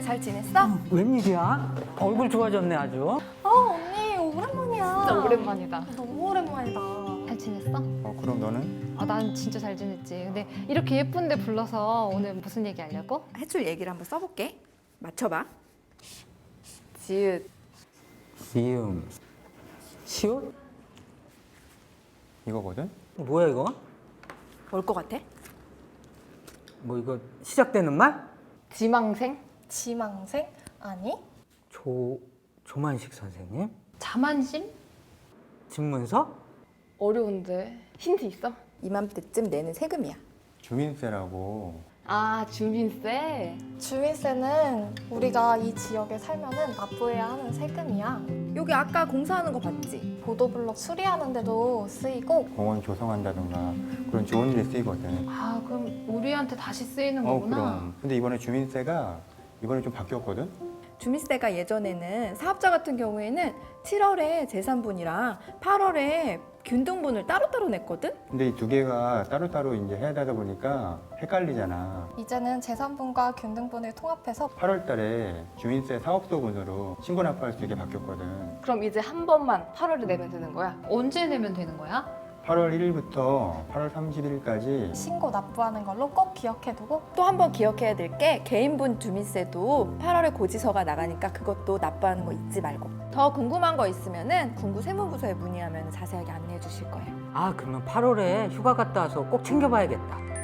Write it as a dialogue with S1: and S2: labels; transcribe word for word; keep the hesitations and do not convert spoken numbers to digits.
S1: 잘 지냈어?
S2: 웬일이야? 얼굴 좋아졌네 아주.
S1: 어 언니 오랜만이야.
S3: 진짜 오랜만이다.
S1: 너무 오랜만이다.
S3: 잘 지냈어?
S4: 어, 그럼 너는?
S3: 아, 난 진짜 잘 지냈지. 근데 이렇게 예쁜데 불러서 오늘 무슨 얘기 하려고?
S1: 해줄 얘기를 한번 써볼게. 맞춰봐.
S3: 지읒.
S2: 시음. 시옷?
S4: 이거거든?
S2: 뭐야 이거?
S1: 뭘 것 같아?
S2: 뭐 이거 시작되는 말?
S3: 지망생?
S1: 지망생? 아니?
S2: 조 조만식 선생님?
S3: 자만심?
S2: 집문서?
S3: 어려운데. 힌트 있어?
S1: 이맘때쯤 내는 세금이야.
S4: 주민세라고.
S3: 아, 주민세?
S1: 주민세는 우리가 이 지역에 살면은 납부해야 하는 세금이야. 여기 아까 공사하는 거 봤지? 보도블록 수리하는 데도 쓰이고
S4: 공원 조성한다던가 그런 좋은 데 쓰이거든.
S3: 아, 그럼 우리한테 다시 쓰이는
S4: 어,
S3: 거구나.
S4: 그럼. 근데 이번에 주민세가 이번에 좀 바뀌었거든?
S1: 주민세가 예전에는 사업자 같은 경우에는 칠월에 재산분이랑 팔월에 균등분을 따로따로 냈거든?
S4: 근데 이 두 개가 따로따로 이제 해야 되다 보니까 헷갈리잖아.
S1: 이제는 재산분과 균등분을 통합해서
S4: 팔월 달에 주민세 사업소분으로 신고 납부할 수 있게 바뀌었거든.
S3: 그럼 이제 한 번만 팔월에 내면 되는 거야? 언제 내면 되는 거야?
S4: 팔월 일일부터 팔월 삼십일까지
S1: 신고 납부하는 걸로 꼭 기억해두고 또 한 번 기억해야 될 게 개인분 주민세도 팔월에 고지서가 나가니까 그것도 납부하는 거 잊지 말고 더 궁금한 거 있으면은 군구 세무부서에 문의하면 자세하게 안내해 주실 거예요.
S2: 아 그러면 팔월에 휴가 갔다 와서 꼭 챙겨봐야겠다.